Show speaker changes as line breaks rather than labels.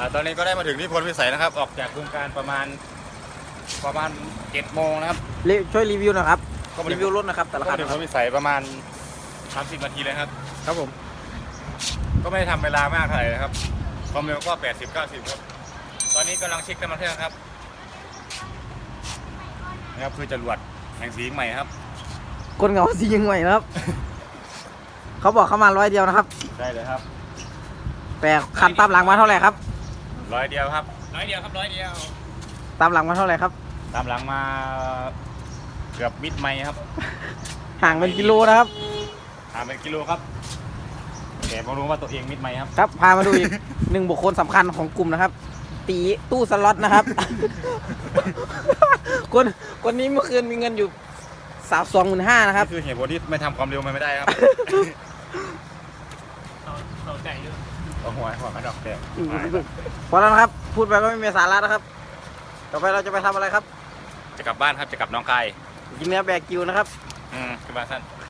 ตอนนี้ก็ได้มาถึงที่พลพิสัยนะครับ ออกจากโครงการประมาณ7 โมงนะครับ
ช่วยรีวิวหน่อยครับ
ก็มา
รี
ถึง
วิวรถนะครับแต่ละคั
ก็
น
ถึงพลพิสัยประมาณ30 นาทีเลยครับ
ครับผม
ก็ไม่ได้ทำเวลามากเท่าไหร่นะครับความเร็วก็80-90ครับตอนนี้กำลังเช็คน้ำมันเครื่องครับนะครับคือจรวดแห่งสีใหม่ครับ
คนเหงาสียังไงนะครับ เขาบอกเขามา100 เดียวนะครับ
ได้เลยครับ
แต่คันตามหลังมาเท่าไหร่ครับ
100 เดียวครับ100 เดียวครับ100 เดียว
ตามหลังมาเท่าไหร่ครับ
ตามหลังมาเกือบมิดไมล์ครับ
ห่างเป็นกิโลนะครับ
ห่างเป็นกิโลครับแต่ผมรู้ว่าตัวเองมิดไมล์ครับ
ครับพามาดูอีก 1 บุคคลสำคัญของกลุ่มนะครับ ตีตู้สล็อตนะครับ คนนี้เมื่อคืนมีเงินอยู่25,000นะครับ
นี่คือเหตุผลที่ไม่ทำความเร็วมันไม่ได้ครับเราใจเยอะเอาหัวกระดอกแดง
พอแล้วนะครับ พูดไปก็ไม่มีสาระนะครับ ต่อไปเราจะไปทำอะไรครับ
จะกลับบ้านครับจะกลับน้องคาย
กินเนื้อแบกิวนะครับ
คือบ้านสั้น